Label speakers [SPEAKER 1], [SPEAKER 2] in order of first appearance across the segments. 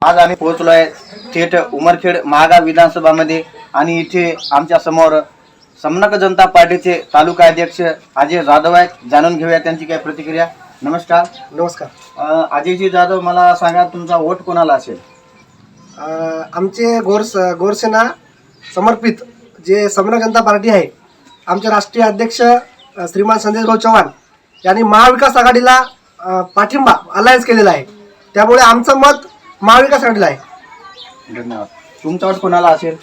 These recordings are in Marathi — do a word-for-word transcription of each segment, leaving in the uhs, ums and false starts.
[SPEAKER 1] आज आम्ही पोहोचलो आहे थेट उमरखेड महागाव विधानसभामध्ये आणि इथे आमच्या समोर समनक जनता पार्टीचे तालुका अध्यक्ष अजय जाधव आहेत. जाणून घेऊया त्यांची काय प्रतिक्रिया. नमस्कार.
[SPEAKER 2] नमस्कार.
[SPEAKER 1] अ, अजयजी जाधव, मला सांगा तुमचा वोट कोणाला असेल?
[SPEAKER 2] अ, आमचे गोरस गोरसेना समर्पित जे समनक जनता पार्टी आहे, आमचे राष्ट्रीय अध्यक्ष अ, श्रीमान संदेशभाऊ चव्हाण यांनी महाविकास आघाडीला अ, पाठिंबा अलायन्स केलेला आहे. त्यामुळे आमचं मत महाविकास आघाडीला आहे.
[SPEAKER 1] धन्यवाद. तुमचा वोट कोणाला असेल?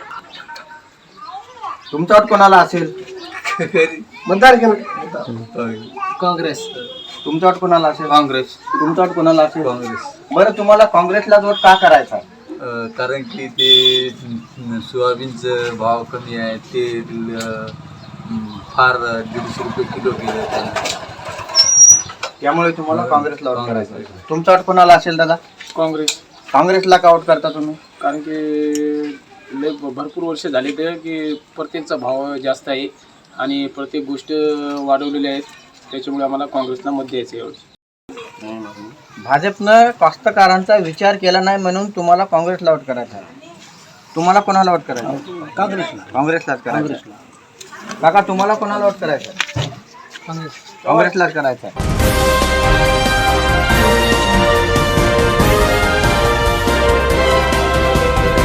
[SPEAKER 1] तुमचा वोट कोणाला असेल?
[SPEAKER 2] मतदार केलं
[SPEAKER 3] काँग्रेस.
[SPEAKER 1] तुमचा वोट कोणाला असेल?
[SPEAKER 3] काँग्रेस.
[SPEAKER 1] तुमचा वोट कोणाला असेल?
[SPEAKER 3] काँग्रेस.
[SPEAKER 1] बरं, तुम्हाला काँग्रेसला वोट का करायचा?
[SPEAKER 3] अ, कारण की ते सोयाबीनचं भाव कमी आहे, ते अ, फार दीडशे रुपये किलो गेलं आहे.
[SPEAKER 1] त्यामुळे तुम्हाला काँग्रेसला वोट करायचा. तुमचा वोट कोणाला असेल दादा?
[SPEAKER 4] काँग्रेस.
[SPEAKER 1] काँग्रेसला का वोट करता तुम्ही?
[SPEAKER 4] कारण की लय भरपूर वर्ष झाले ते की प्रत्येकचा भाव जास्त आहे आणि प्रत्येक गोष्ट वाढवलेल्या आहेत, त्याच्यामुळे आम्हाला काँग्रेसला मत द्यायचं आहे यावेळी.
[SPEAKER 1] भाजपनं कास्तकारांचा विचार केला नाही म्हणून तुम्हाला काँग्रेसला वोट करायचा आहे. तुम्हाला कोणाला वोट करायचं?
[SPEAKER 2] काँग्रेसला.
[SPEAKER 1] काँग्रेसलाच करायचं. काका, तुम्हाला कोणाला वोट करायचं?
[SPEAKER 2] काँग्रेस.
[SPEAKER 1] काँग्रेसलाच करायचं आहे.